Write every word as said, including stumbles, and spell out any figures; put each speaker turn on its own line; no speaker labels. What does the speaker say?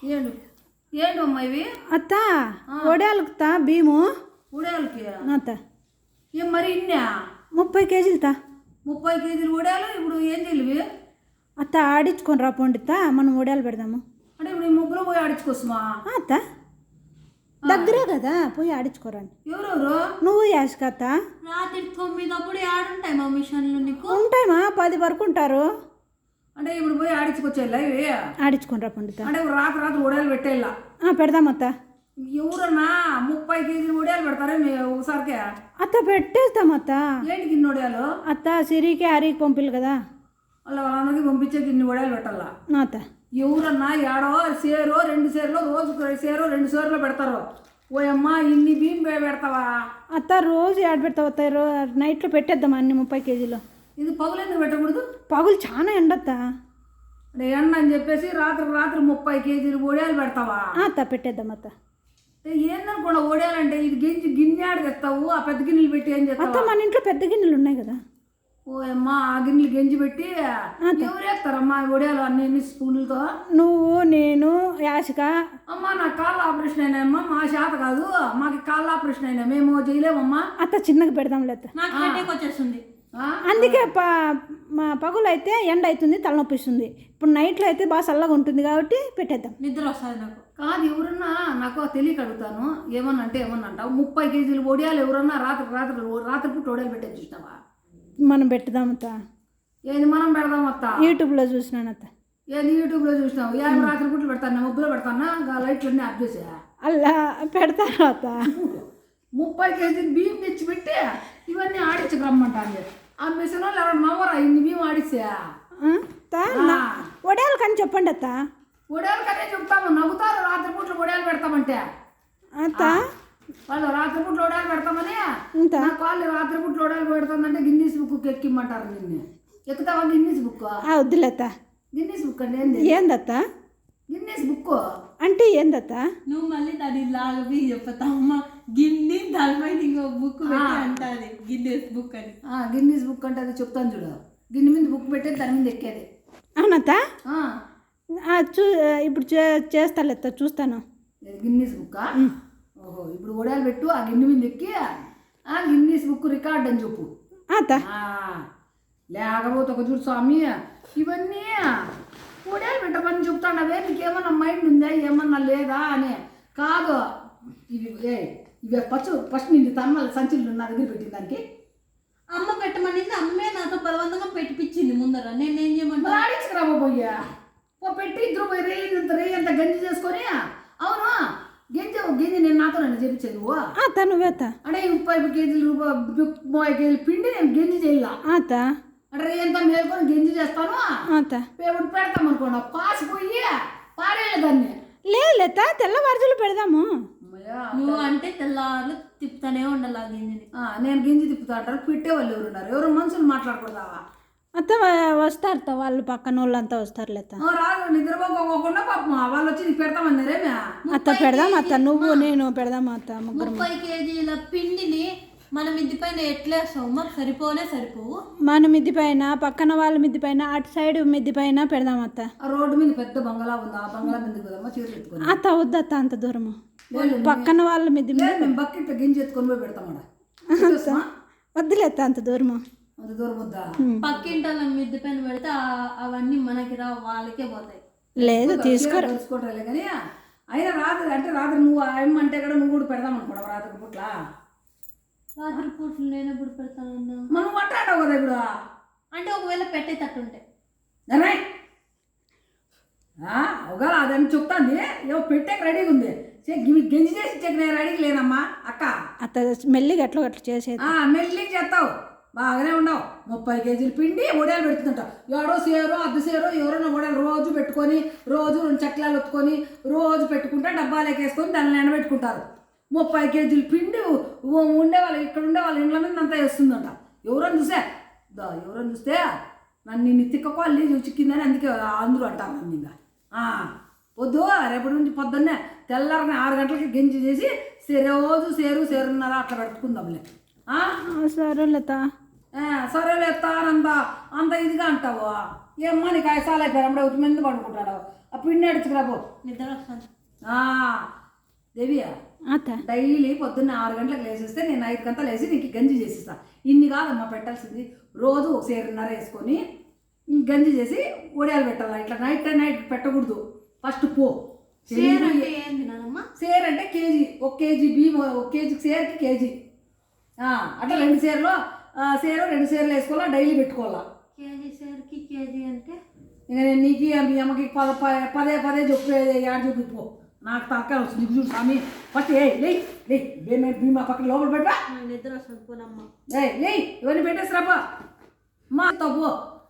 ఏండు ఏండు అమ్మా ఇవి
అత్త ఒడియాలకుతా భీము
ఉడయాలకి
అత్త
ఏం మరి ఇన్నా
ముప్పై కేజీలు తా
ముప్పై కేజీలు ఉడయాలు ఇప్పుడు ఏం తెలివి
అత్త ఆడించుకొని రా పొండితా మనం ఒడియాలు పెడదాము
అంటే ఇప్పుడు ఈ ముగ్గులో పోయి ఆడించుకోసమా
అత్త దగ్గరే కదా పోయి ఆడించుకోరాని
ఎవరెవరు
నువ్వు యాష్క అత్త
రాత్రి తొమ్మిదప్పుడు ఆడుంటాయి మా మిషన్లు నీకు
ఉంటాయమా పది వరకు ఉంటారు
అంటే ఇప్పుడు పోయి ఆడించుకొచ్చేలా ఇవి
ఆడించుకొని రా పొండితా
అంటే ఇప్పుడు రాత్రి రాత్రి ఉడయాలు పెట్టేలా
పెడదాం అత్త
ఎవరన్నా ముప్పై కేజీలు ఉడయాలు పెడతారా మీ ఒకసారికే
అత్త పెట్టేస్తాం అత్త
ఏంటి గిన్నె ఉడయాలు
అత్త సిరికి హరికి పంపిలు కదా
వాళ్ళ వాళ్ళందరికీ పంపించే గిన్నె ఉడయాలు పెట్టాలా
అత్త
ఎవరన్నా ఏడో సేరో రెండు సేర్లో రోజు సేరో రెండు సేర్లో పెడతారు ఓయమ్మ ఇన్ని బియ్యం పె- పెడతావా
అత్త రోజు యాడ్ పెడతావు అత్త రో నైట్లో పెట్టేద్దాం అన్ని ముప్పై కేజీలు
ఇది పగులు ఎందుకు పెట్టకూడదు
పగులు చాలా ఎండత్తా
అంటే ఎండ అని చెప్పేసి రాత్రి రాత్రి ముప్పై కేజీలు ఒడియాలు పెడతావా
అత్త పెట్టేద్దాం అత్త
ఏ ఏందనుకోండి ఒడియాలంటే ఇది గింజి గిన్నె తెస్తావు ఆ పెద్ద గిన్నెలు పెట్టి ఏం
అత్త
చేస్తావు
మన ఇంట్లో పెద్ద గిన్నెలు ఉన్నాయి కదా
ఓయమ్మ ఆ గిన్నెలు గెంజి పెట్టి ఎవరు వేస్తారమ్మా ఈ ఒడియాలు అన్ని ఎన్ని స్పూన్లతో
నువ్వు నేను యాసిక
అమ్మ నా కాళ్ళ ఆపరేషన్ అయినాయమ్మా మా చేత కాదు మాకు కాళ్ళ ఆపరేషన్ అయినా మేము చేయలేమమ్మా
అత్త చిన్నగా పెడదాం లేత
నాకు హెడేక్ వచ్చేస్తుంది
ఆ?
అందుకే ప మా పగులు అయితే ఎండ అవుతుంది తలనొప్పి ఇస్తుంది ఇప్పుడు నైట్లో అయితే బాగా చల్లగా ఉంటుంది కాబట్టి పెట్టేద్దాం
నిద్ర వస్తుంది నాకు
కాదు ఎవరన్నా నాకు తెలియక అడుగుతాను ఏమన్నా అంటే ఏమన్నా అంటావు ముప్పై కేజీలు ఒడియాలు ఎవరన్నా రాత్రి రాత్రి రాత్రిపూట ఒడియాలు పెట్టేది చూసినావా
మనం పెట్టుదాం అత్త
ఏది మనం పెడదాం అత్త
యూట్యూబ్లో చూసినాను అత్త
ఏది యూట్యూబ్లో చూసినావు ఏం రాత్రిపూటలు పెడతాను ముగ్గులో పెడతానా గా లైట్లన్నీ ఆఫ్ చేసా
అలా పెడతాను అత్త
ముప్పై కేజీలు బియ్యం తెచ్చి పెట్టి ఇవన్నీ ఆడించకు రమ్మంటాను ఆ మిషన్ వాళ్ళు ఎవరు నవ్వరా ఇన్ని బియ్యం ఆడిసా
ఆ, అత్త నా- వడియాలు కానీ చెప్పండి అత్త
ఒడియాలు కదే చెప్తాము నవ్వుతారు రాత్రిపూటలు ఒడియాలు పెడతామంటే
అత్త
వాళ్ళు రాత్రిపూటలు ఒడియాలు పెడతామని
ఇంత
నా కాళ్ళు రాత్రిపూటలు ఒడియాలు పెడుతుందంటే గిన్నీస్ బుక్ ఎక్కిమ్మంటారు నిన్ను ఎక్కుతావా గిన్నీస్ బుక్
ఆ, వద్దులేత
గిన్నీస్ బుక్ అండి ఏంది
ఏందత్త
గిన్నీస్ బుక్
అంటే ఏందత్త
నువ్వు మళ్ళీ దాని లాగవి చెప్తా అమ్మ గిన్నె దానిపైన ఇంకో బుక్ పెట్టి అంటాది గిన్నెస్ బుక్ అని
గిన్నీస్ బుక్ అంటే అది చెప్తాను చూడు గిన్నె మీద బుక్ పెట్టేది దాని మీద ఎక్కేది
అవునత్త
ఆ,
ఆ, చూ ఇప్పుడు చే చేస్తాలేత చూస్తాను
ఇది గిన్నీస్ బుక్ ఓహో ఇప్పుడు ఒడియాలు పెట్టు ఆ గిన్నె మీద ఎక్కి ఆ గిన్నీస్ బుక్ రికార్డ్ అని చెప్పు
అత్త
ఆ, లేకపోతే ఒక చూడు స్వామి ఇవన్నీ ఒడియాలు పెట్టమని చెప్తాండవే నీకేమన్నా మైండ్ ఉందా ఏమన్నా లేదా అని కాదు ఇవి ఏ ఇవి ఫస్ట్ ఫస్ట్ నిన్ను తమ్మల సంచులు నా దగ్గర పెట్టిన దానికి
అమ్మ పెట్టమనింది అమ్మే నాతో బలవంతంగా పెట్టిపించింది ముందర నేను ఏం చేయమంటా
మరి ఆడించుకురాబో పోయ్యా ఓ పెట్టి ఇద్దరు పోయి రే ఇంత రే అంత గంజి చేసుకొని అవును గంజి గంజి నేను నాతో నన్ను చెప్పించేది నువ్వు
అత్త నువ్వేత
అంటే ఈ ముప్పై కేజీలు రూపాయ ముప్పై కేజీలు పిండి నేను గంజి చేయాల
అత్త
అంటే రే ఎంత మేలుకొని గంజి చేస్తాను
అత్త
ఇప్పుడు పెడతాం అనుకోండి పాసిపోయి పారేయాలి దాన్ని
లేదు లేత తెల్లవారుజులు పెడదాము
అమ్మయ్యా,
నువ్వు అంటే తెల్లారులు తిప్పుతానే ఉండాలి ఆ గిన్నెని
ఆ, నేను గింజి తిప్పుతా అంటారు పెట్టేవాళ్ళు ఎవరు ఉన్నారు ఎవరు మనుషులు మాట్లాడకూడదావా
అత్త వ- వస్తారు తా వాళ్ళు పక్కన వాళ్ళంతా వస్తారు లేత
ఆ, రాదు నిద్రపోకోకుండా పాపం వాళ్ళు వచ్చి నీకు పెడతామన్నారేమే
అత్త పెడదాం అత్త నువ్వు నేను పెడదాం అత్త ముగ్గురు
ముప్పై కేజీల పిండిని మన మిద్ది పైన ఎట్లేస్తావు మాకు సరిపోనే సరిపోవు
మన మిద్ది పైన పక్కన వాళ్ళ మిద్ది పైన అటు సైడ్ మిద్ది పైన పెడదాం అత్త
ఆ రోడ్డు మీద పెద్ద బంగళా ఉంది ఆ బంగళా మీదకి పోదామా చీరలు ఎత్తుకొని
అత్త వద్దత్త అంత దూరము
లేదు,
పక్కన వాళ్ళ మిద్ది మీద
లేదు మేము బకెట్ గింజి ఎత్తుకొని పోయి పెడతామడా
వద్దులేత అంత దూరము
అంత దూరం వద్దా
పక్కింటి వాళ్ళ మిద్ది పైన పెడితే ఆ- అవన్నీ మనకి రా వాళ్ళకే పోతాయి
లేదు తీసుకోరా
తెలుసుకోవట్లే కానీ అయినా రాత్రి అంటే రాత్రి నువ్వు ఆయమ్మ అంటే కూడా నువ్వు కూడా పెడదాం అనుకోవడం రాత్రి పూట్ల
రాత్రి పూటలు నేను ఎప్పుడు పెడతానన్నా
మనం మాట్లాడావు కదా ఇప్పుడు
అంటే ఒకవేళ పెట్టేటట్టుంటే
నర్రాయ్ ఒకవేళ అదని చెప్తాంది ఏమో పెట్టాక రెడీగా ఉంది చే ఇవి గంజి చేసి ఇచ్చాక నేను రెడీగా లేనమ్మా అక్క
అత్త మెల్లిగా ఎట్లా అట్లా చేసేది
ఆ, మెల్లిగా చేస్తావు బాగానే ఉండవు ముప్పై కేజీలు పిండి ఒడియాలు పెడుతుంటావు ఎవడో సేరో అర్ధ సేరో ఎవరైనా ఒడియాలు రోజు పెట్టుకొని రోజు రెండు చక్రాలు ఒత్తుకొని రోజు పెట్టుకుంటే డబ్బాలోకి వేసుకొని దాన్ని ఎండబెట్టుకుంటారు ముప్పై కేజీలు పిండి ఉ- ఉండేవాళ్ళు ఇక్కడ ఉండే వాళ్ళ ఇండ్ల మీద అంతా వేస్తుందంట ఎవరని చూసే దా ఎవరని చూస్తే నన్ను నిన్ను తిక్కకోవాలి చిక్కిందని అందుకే అందరూ అంటారు నన్ను ఇంకా ఆ, వద్దు రేపటి నుంచి పొద్దున్నే తెల్లారని ఆరు గంటలకి గెంజి చేసి సే- రోజు సేరు సేరున్నర అట్లా పెట్టుకుందాంలే ఆ?
సరే లత
ఆ, సరేలే ఎత్తానంత అంత ఇదిగా అంటావు ఏమ్మా నీకు ఐసాలు అయిపోయారు అప్పుడే ఉత్తి మీద పడుకుంటాడు ఆ పిండి అడుచుకురాబో
నిద్ర వస్తుంది.
దేవియా
అత్త
డైలీ పొద్దున్న ఆరు గంటలకు లేచేస్తే నేను ఐదు గంటలు లేచి నీకు గంజి చేసిస్తా. ఇన్ని కాదమ్మా పెట్టాల్సింది, రోజు ఒక సేరున్నర వేసుకొని గంజి చేసి ఒడియాలు పెట్టాలి. ఇట్లా నైట్ నైట్ పెట్టకూడదు. ఫస్ట్ పో
సేర్ అంటే ఏంది నానమ్మ?
సేర్ అంటే కేజీ, ఒక కేజీ బియ్యం, ఒక కేజీ సేర్కి కేజీ అట్లా రెండు సేర్లు సేరు రెండు సేర్లు వేసుకోవాలా, డైలీ పెట్టుకోవాలా.
కేజీ సేర్కి కేజీ అంటే
ఇంకా నేను నీకు మీ అమ్మకి పద ప- పదే పదే చెప్పు ఏడు చూపిపో, నాకు తలకాయ వస్తుంది. నీకు చూడు స్వామి, ఫస్ట్ ఏ లే లే భీమా భీమా పక్కన లోపల పెట్టా,
నిద్ర వస్తుంది పోనమ్మ.
ఏ లే ఇవన్నీ పెట్టేసిరాపా మా తప్పు